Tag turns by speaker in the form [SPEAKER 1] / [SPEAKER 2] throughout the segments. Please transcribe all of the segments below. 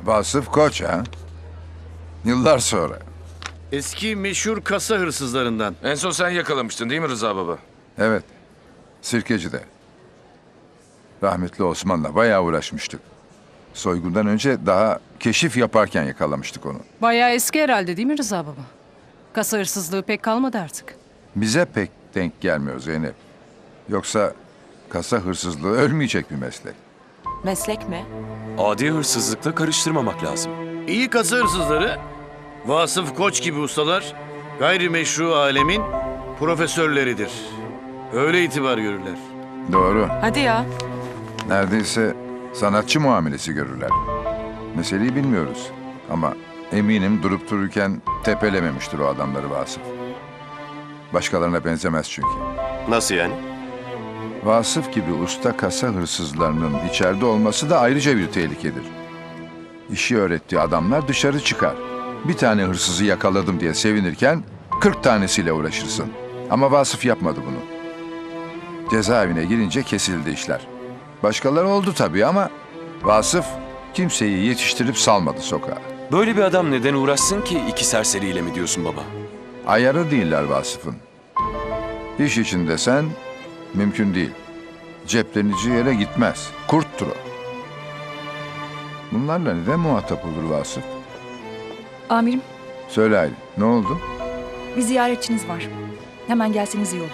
[SPEAKER 1] Vasıf Koç ha? Yıllar sonra.
[SPEAKER 2] Eski meşhur kasa hırsızlarından.
[SPEAKER 3] En son sen yakalamıştın değil mi Rıza baba?
[SPEAKER 1] Evet. Sirkeci'de. Rahmetli Osman'la bayağı uğraşmıştık. Soygundan önce daha keşif yaparken yakalamıştık onu.
[SPEAKER 4] Bayağı eski herhalde değil mi Rıza baba? Kasa hırsızlığı pek kalmadı artık.
[SPEAKER 1] Bize pek denk gelmiyor Zeynep. Yoksa kasa hırsızlığı ölmeyecek bir meslek.
[SPEAKER 5] Meslek mi?
[SPEAKER 6] Adi hırsızlıkla karıştırmamak lazım.
[SPEAKER 2] İyi kasa hırsızları, Vasıf Koç gibi ustalar, gayrimeşru alemin profesörleridir. Öyle itibar görürler.
[SPEAKER 1] Doğru.
[SPEAKER 5] Hadi ya.
[SPEAKER 1] Neredeyse sanatçı muamelesi görürler. Meseleyi bilmiyoruz. Ama eminim durup dururken tepelememiştir o adamları Vasıf. Başkalarına benzemez çünkü.
[SPEAKER 7] Nasıl yani?
[SPEAKER 1] Vasıf gibi usta kasa hırsızlarının içeride olması da ayrıca bir tehlikedir. İşi öğrettiği adamlar dışarı çıkar. Bir tane hırsızı yakaladım diye sevinirken 40 tanesiyle uğraşırsın. Ama Vasıf yapmadı bunu. Cezaevine girince kesildi işler. Başkaları oldu tabii ama Vasıf kimseyi yetiştirip salmadı sokağa.
[SPEAKER 6] Böyle bir adam neden uğraşsın ki iki serseriyle mi diyorsun baba?
[SPEAKER 1] Ayarı değiller Vasıf'ın. İş içinde sen mümkün değil. Ceplenici yere gitmez. Kurttur o. Bunlarla neden muhatap olur Vasıf?
[SPEAKER 8] Amirim,
[SPEAKER 1] Söyle Aylin, ne oldu?
[SPEAKER 8] bir ziyaretçiniz var. Hemen gelseniz iyi olur.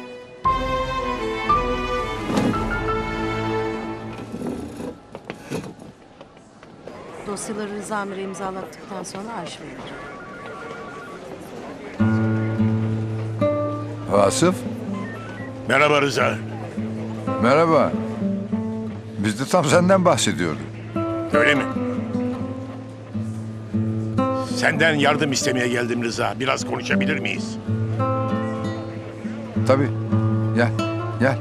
[SPEAKER 9] Dosyaları Rıza Amir'e imzalattıktan sonra arşive verir.
[SPEAKER 1] Vasıf,
[SPEAKER 7] Merhaba Rıza.
[SPEAKER 1] merhaba. Biz de tam senden bahsediyorduk.
[SPEAKER 7] Öyle mi? Senden yardım istemeye geldim Rıza. Biraz konuşabilir miyiz?
[SPEAKER 1] Tabii. Gel, gel.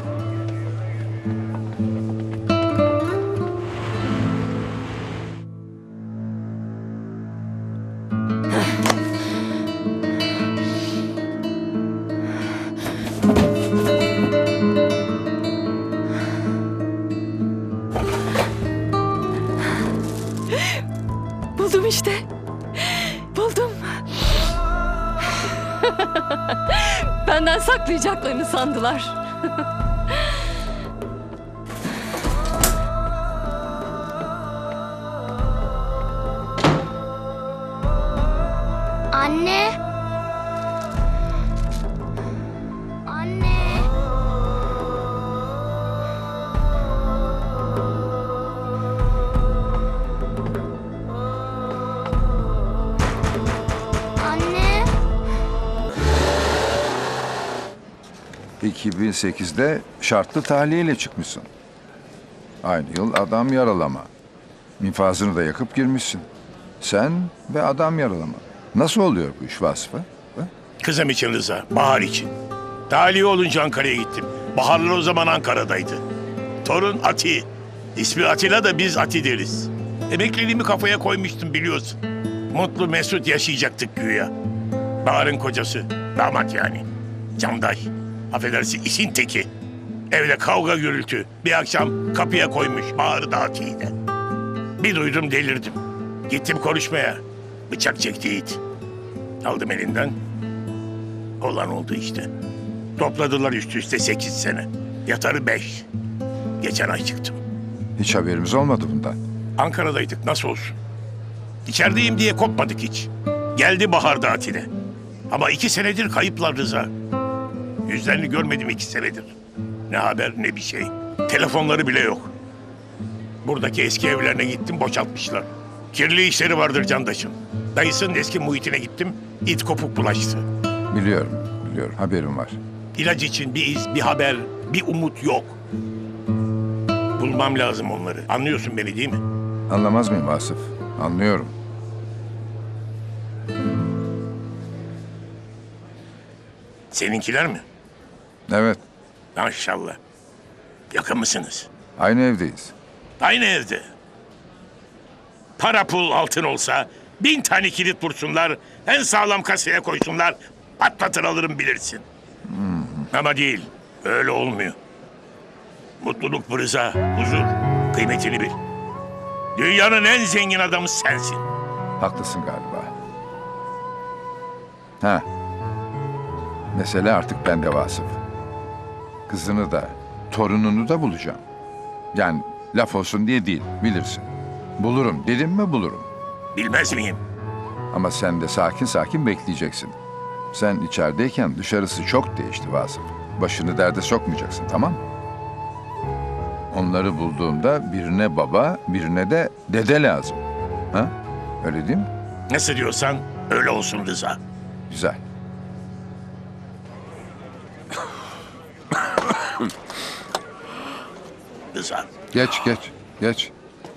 [SPEAKER 5] Buldum işte. Buldum. Benden saklayacaklarını sandılar.
[SPEAKER 10] Anne. Anne. Anne.
[SPEAKER 1] 2008'de şartlı tahliyeyle çıkmışsın. Aynı yıl adam yaralama. İnfazını da yakıp girmişsin. Sen ve adam yaralama. Nasıl oluyor bu iş Vasıf'a? Ha?
[SPEAKER 7] Kızım için Rıza, Bahar için. Tahliye olunca Ankara'ya gittim. Baharlar o zaman Ankara'daydı. Torun Ati. İsmi Atilla da biz Ati deriz. Emekliliğimi kafaya koymuştum biliyorsun. Mutlu mesut yaşayacaktık güya. Bahar'ın kocası, damat yani. Canday. Affedersin işin teki. Evde kavga gürültü. Bir akşam kapıya koymuş Bahar'ı da Ati'yi de. Bir duydum delirdim. Gittim konuşmaya. Bıçak çekti it. Aldım elinden. Olan oldu işte. Topladılar üst üste 8 sene. Yatarı 5. Geçen ay çıktım.
[SPEAKER 1] Hiç haberimiz olmadı bundan.
[SPEAKER 7] Ankara'daydık nasıl olsun. İçerideyim diye kopmadık hiç. Geldi Bahar da Atine. Ama 2 senedir kayıplar Rıza. Yüzlerini görmedim 2 senedir. Ne haber ne bir şey. Telefonları bile yok. Buradaki eski evlerine gittim boşaltmışlar. Kirli işleri vardır Candaş'ın. Dayısının eski muhitine gittim. İt kopuk bulaştı.
[SPEAKER 1] Biliyorum, biliyorum. Haberim var.
[SPEAKER 7] İlaç için bir iz, bir haber, bir umut yok. Bulmam lazım onları. Anlıyorsun beni değil mi?
[SPEAKER 1] Anlamaz mıyım Vasıf? Anlıyorum.
[SPEAKER 7] Seninkiler mi?
[SPEAKER 1] Evet,
[SPEAKER 7] Maşallah. Yakın mısınız?
[SPEAKER 1] aynı evdeyiz.
[SPEAKER 7] Aynı evde. Para pul altın olsa 1000 tane kilit vursunlar, en sağlam kasaya koysunlar, patlatır alırım bilirsin. Ama değil, öyle olmuyor. Mutluluk bu Rıza, huzur, kıymetini bil. Dünyanın en zengin adamı sensin.
[SPEAKER 1] Haklısın galiba. Ha. Mesele artık bende Vasıf. Kızını da, torununu da bulacağım. Yani laf olsun diye değil, bilirsin. Bulurum dedim mi bulurum.
[SPEAKER 7] Bilmez miyim?
[SPEAKER 1] Ama sen de sakin sakin bekleyeceksin. Sen içerideyken dışarısı çok değişti Vasıf. Başını derde sokmayacaksın, tamam mı? Onları bulduğumda birine baba, birine de dede lazım. Ha? Öyle değil mi?
[SPEAKER 7] Nasıl diyorsan öyle olsun Rıza.
[SPEAKER 1] Güzel.
[SPEAKER 7] Rıza.
[SPEAKER 1] Geç.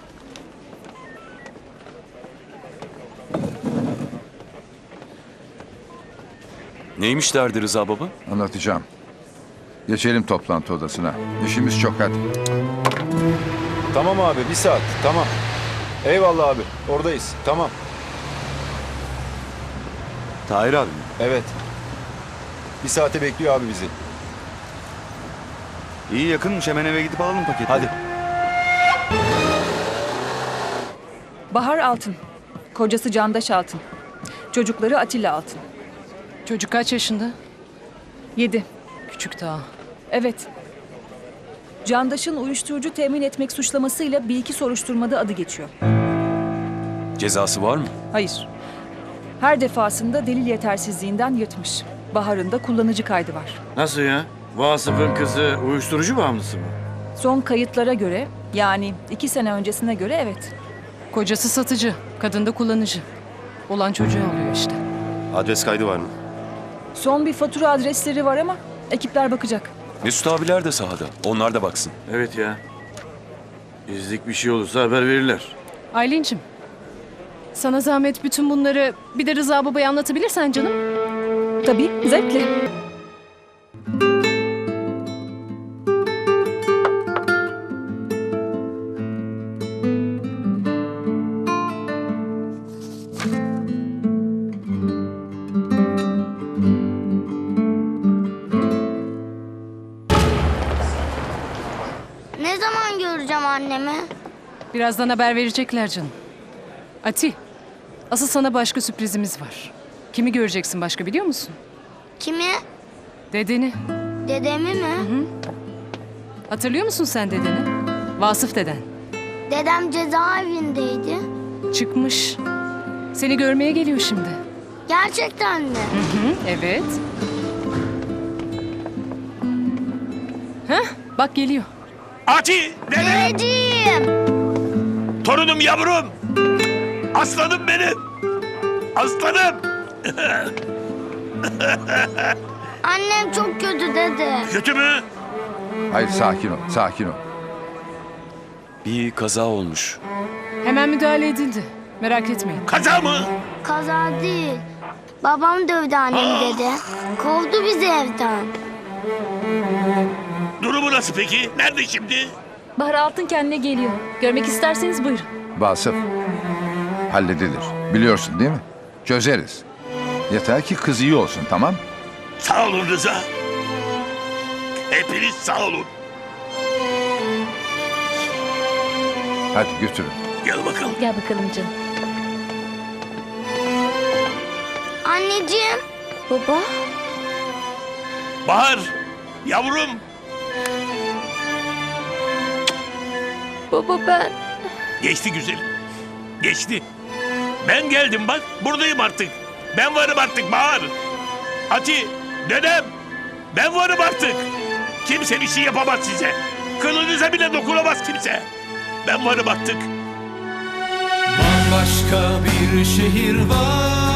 [SPEAKER 6] Neymiş derdi Rıza baba?
[SPEAKER 1] Anlatacağım. Geçelim toplantı odasına. İşimiz çok hadi.
[SPEAKER 10] Tamam abi, bir saat. Tamam. Eyvallah abi. Oradayız. Tamam.
[SPEAKER 6] Tahir abi mi?
[SPEAKER 10] Evet. Bir saate bekliyor abi bizi.
[SPEAKER 6] İyi yakınmış, hemen eve gidip alalım paketi.
[SPEAKER 10] Hadi.
[SPEAKER 8] Bahar Altın. Kocası Candaş Altın. Çocukları Atilla Altın.
[SPEAKER 4] Çocuk kaç yaşında?
[SPEAKER 8] 7.
[SPEAKER 4] Küçük daha.
[SPEAKER 8] Evet. Candaş'ın uyuşturucu temin etmek suçlamasıyla bir iki soruşturmada adı geçiyor.
[SPEAKER 6] Cezası var mı?
[SPEAKER 8] Hayır. Her defasında delil yetersizliğinden yırtmış. Bahar'ın da kullanıcı kaydı var.
[SPEAKER 2] Nasıl ya? Vasıf'ın kızı uyuşturucu bağımlısı mı?
[SPEAKER 8] Son kayıtlara göre, yani 2 sene öncesine göre evet.
[SPEAKER 4] Kocası satıcı, kadın da kullanıcı. Olan çocuğu oluyor işte.
[SPEAKER 10] Adres kaydı var mı?
[SPEAKER 8] Son bir fatura adresleri var ama ekipler bakacak.
[SPEAKER 6] Mesut abiler de sahada. Onlar da baksın.
[SPEAKER 2] Evet ya. İzlik bir şey olursa haber verirler.
[SPEAKER 4] Aylin'cim, sana zahmet bütün bunları bir de Rıza babaya anlatabilirsen canım.
[SPEAKER 8] Tabii, zevkle.
[SPEAKER 11] Ne zaman göreceğim annemi?
[SPEAKER 4] Birazdan haber verecekler canım. Ati, asıl sana başka sürprizimiz var. Kimi göreceksin başka biliyor musun?
[SPEAKER 11] Kimi?
[SPEAKER 4] Dedeni.
[SPEAKER 11] Dedemi mi?
[SPEAKER 4] Hatırlıyor musun sen dedeni? Vasıf deden.
[SPEAKER 11] Dedem cezaevindeydi.
[SPEAKER 4] Çıkmış. Seni görmeye geliyor şimdi.
[SPEAKER 11] Gerçekten mi?
[SPEAKER 4] Evet. Heh, bak geliyor.
[SPEAKER 7] Ati! Dedem!
[SPEAKER 11] Dedeciğim!
[SPEAKER 7] Torunum yavrum! Aslanım benim! Aslanım!
[SPEAKER 11] Annem çok kötü dede.
[SPEAKER 7] Kötü mü?
[SPEAKER 1] Hayır sakin ol.
[SPEAKER 6] Bir kaza olmuş.
[SPEAKER 4] Hemen müdahale edildi. Merak etmeyin.
[SPEAKER 7] Kaza mı?
[SPEAKER 11] Kaza değil. Babam dövdü annemi dede. Kovdu bizi evden.
[SPEAKER 7] Durumu nasıl peki? Nerede şimdi?
[SPEAKER 5] Bahar Altın kendine geliyor. Görmek isterseniz buyurun.
[SPEAKER 1] Vasıf. Halledilir. Biliyorsun değil mi? Çözeriz. Yeter ki kız iyi olsun, tamam?
[SPEAKER 7] Sağ olun Rıza. Hepiniz sağ olun.
[SPEAKER 1] Hadi götürün.
[SPEAKER 7] Gel bakalım.
[SPEAKER 5] Gel bakalım canım.
[SPEAKER 11] Anneciğim. Baba.
[SPEAKER 7] Bahar! Yavrum!
[SPEAKER 5] Baba ben.
[SPEAKER 7] Geçti güzelim. Geçti. Ben geldim bak. Buradayım artık. Ben varım artık Bahar. Ati, dedem. Ben varım artık. Kimse bir şey yapamaz size. Kılınıza bile dokunamaz kimse. Ben varım artık.
[SPEAKER 12] Bambaşka bir şehir var.